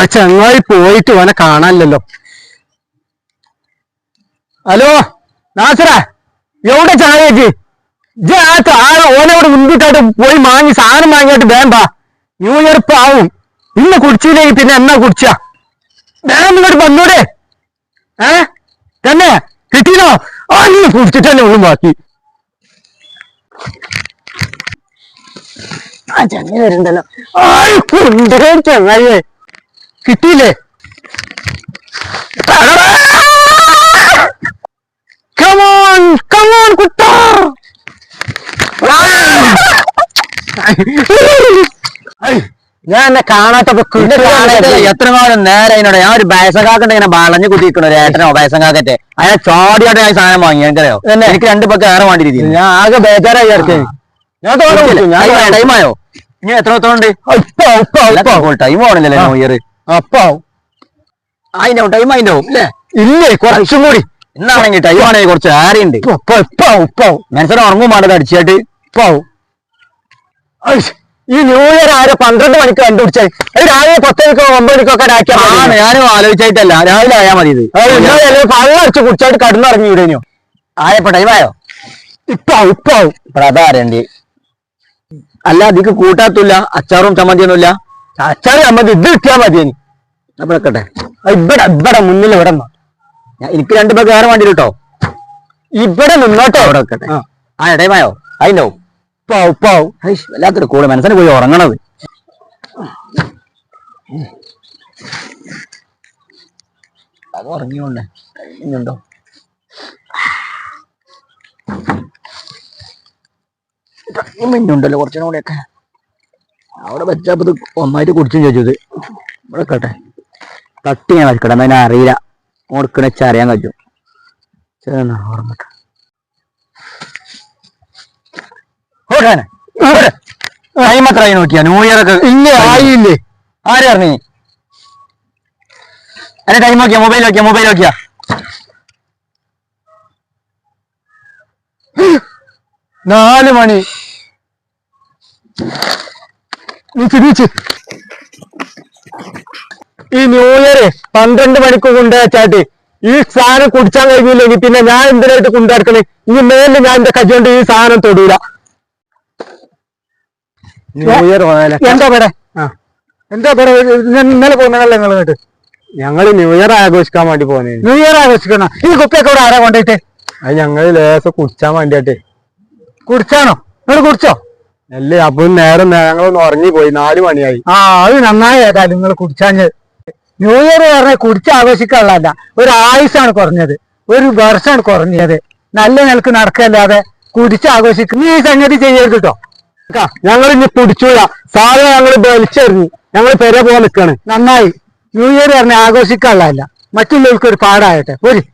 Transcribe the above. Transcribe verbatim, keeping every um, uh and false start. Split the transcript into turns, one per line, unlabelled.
ചങ്ങായി പോയിട്ട് ഓനെ കാണാനില്ലല്ലോ. ഹലോ നാസറ, എവിടെ ചങ്ങായിക്ക് ഇജ് ആ ഓനോട് മുൻകൂട്ടായിട്ട് പോയി വാങ്ങി സാധനം വാങ്ങിയിട്ട് വേണ്ട. ന്യൂ ഇയർ ഇപ്പൊ ആവും. ഇന്ന് കുടിച്ചില്ലെങ്കിൽ പിന്നെ എന്നാ കുടിച്ച വേഗം ഇങ്ങോട്ട് വന്നൂടെ? ഏ തന്നെ കിട്ടീനോ? ആ ഇന്ന് കുടിച്ചിട്ട് തന്നെ ഉള്ളു ബാക്കി. ആ ചങ്ങ വരുന്നുണ്ടല്ലോ. ആയിക്കോണ്ടേ ചങ്ങായിയെ കിട്ടിയില്ലേ? കമോൺ കമോൺ കുട്ടാ. ഞാൻ എന്നെ കാണാത്തപ്പോ
എത്ര കാലം നേരെ അതിനോട് ഞാൻ ഒരു ബയസങ്കാക്കട്ടെ ഇങ്ങനെ വളഞ്ഞു കുത്തിക്കണ ഒരു ഏട്ടനോ ബയസങ്കാക്കട്ടെ അയാൾ ചോടിയായിട്ട് ഞാൻ സാധനം വാങ്ങി എനിക്കറിയോ. എനിക്ക് രണ്ടു പക്കം ഏറെ വേണ്ടി രീതി
ഞാൻ ആകെ ബേജാറായി ഇറക്കി. ഞാൻ
ടൈമായോ? ഇനി എത്ര എത്രണ്ട് ടൈം ആവണില്ലല്ലേ ന്യൂ ഇയർ?
അപ്പാവും
അതിന്റെ ടൈം അതിന്റെ അല്ലേ?
ഇല്ലേ കുറച്ചും കൂടി.
എന്നാണെങ്കിൽ ടൈം ആണെങ്കിൽ കുറച്ച് ഏറെയുണ്ട്. മനസ്സിനെ ഉറങ്ങും വേണ്ടത് അടിച്ചായിട്ട്
ഇപ്പാവും. ഈ ന്യൂ ഇയർ ആരോ പന്ത്രണ്ട് മണിക്ക് കണ്ടുപിടിച്ചാൽ രാവിലെ പത്ത് മണിക്കോ ഒമ്പത് മണിക്കൊക്കെ
ആണ്. ഞാനും ആലോചിച്ചായിട്ടല്ല, രാവിലെ ആയാൽ മതി. ഇത്
പള്ള അടിച്ച് കുടിച്ചായിട്ട് കടന്നിറങ്ങി വിടേനോ?
ആയപ്പോ ടൈമായോ?
ഇപ്പാവും ഇപ്പാവും.
അതാരണ്ടി അല്ല അതിക്ക് കൂട്ടാത്തില്ല. അച്ചാറും ചമ്മന്തിയൊന്നുമില്ല.
അച്ചാറ് ചമ്മന്തി ഇത് കിട്ടിയാൽ മതിയേനി.
അപ്പൊ വെക്കട്ടെ.
ഇവിടെ ഇവിടെ മുന്നിൽ ഇവിടെ
എനിക്ക് രണ്ടു പേർക്ക് വേറെ വേണ്ടി കേട്ടോ.
ഇവിടെ നിന്നോട്ടെ.
അവിടെ വെക്കട്ടെ. ആ ടൈമായോ? അതിന്റെ
ഉപ്പാവും ഉപ്പാവും.
വല്ലാത്തൊരു കൂടെ മനസ്സിന് പോയി ഉറങ്ങണത്. അത് ഉറങ്ങിയോണ്ടേ കഴിഞ്ഞുണ്ടോ? മിന്നുണ്ടല്ലോ കുറച്ചും കൂടെയൊക്കെ. അവിടെ വെച്ചപ്പോ ഒന്നായിട്ട് കുടിച്ചും ചോദിച്ചത്. ഇവിടെ കേട്ടെ തട്ടി ഞാൻ വെക്കണം. അതിനെ അറിയില്ല ഓർക്കണ വെച്ചാൽ അറിയാൻ കഴിയും. ഓർമ്മട്ടെ ടൈം എത്ര ആയി നോക്കിയാ? ന്യൂ ഇയർ ഒക്കെ
ഇല്ലേ ആയില്ലേ?
ആര് പറഞ്ഞേ? അല്ലെ ടൈം നോക്കിയാ? മൊബൈൽ നോക്കിയാ? മൊബൈൽ നോക്കിയാ?
നാല് മണി. ഈ ന്യൂ ഇയർ പന്ത്രണ്ട് മണിക്ക് കൊണ്ടുവച്ചാട്ട് ഈ സാധനം കുടിച്ചാൻ കഴിഞ്ഞില്ലെങ്കിൽ പിന്നെ ഞാൻ എന്തിനായിട്ട് കൊണ്ടുനടക്കണേ? ഈ മേലിൽ ഞാൻ എന്റെ കജ്ജോണ്ട് ഈ സാധനം തൊടൂല. ന്യൂ ഇയർ എന്താ പേടെ? ആ എന്താ പേടെ? ഇന്നലെ പോകുന്നതല്ലേ നിങ്ങൾ കേട്ട്? ഞങ്ങള് ന്യൂ ഇയർ ആഘോഷിക്കാൻ വേണ്ടി പോകുന്നേ. ന്യൂ ഇയർ ആഘോഷിക്കണം. ഈ കുപ്പിയൊക്കെ ഇവിടെ ആരാ കൊണ്ടുപോയിട്ട്? അത് ഞങ്ങള് ലേസം കുടിച്ചാൻ വേണ്ടിയാട്ടെ. കുടിച്ചാണോ? നിങ്ങൾ കുടിച്ചോ? അല്ലേ അപ്പൊ നേരം ഞങ്ങളൊന്ന് ഉറങ്ങിപ്പോയി. നാല് മണിയായി. ആ അത് നന്നായി. ഏതായാലും നിങ്ങൾ കുടിച്ചാഞ്ഞത്. ന്യൂ ഇയർ പറഞ്ഞാൽ കുടിച്ച് ആഘോഷിക്കാനുള്ളതല്ല, ഒരു ആയുസാണ് കുറഞ്ഞത്, ഒരു വർഷമാണ് കുറഞ്ഞത്. നല്ല നിലക്ക് നടക്കല്ലാതെ കുടിച്ച് ആഘോഷിക്കും നീ ഈ സംഗതി ചെയ്യരുത് കേട്ടോ. ഞങ്ങൾ ഇനി കുടിച്ചൂല. സാധനം ഞങ്ങൾ വലിച്ചെറിഞ്ഞു. ഞങ്ങൾ പെര പോലെ നിൽക്കാണ്. നന്നായി. ന്യൂ ഇയർ പറഞ്ഞാൽ ആഘോഷിക്കാനുള്ളതല്ല, മറ്റുള്ളവർക്ക് ഒരു പാടാകട്ടെ. ഒരു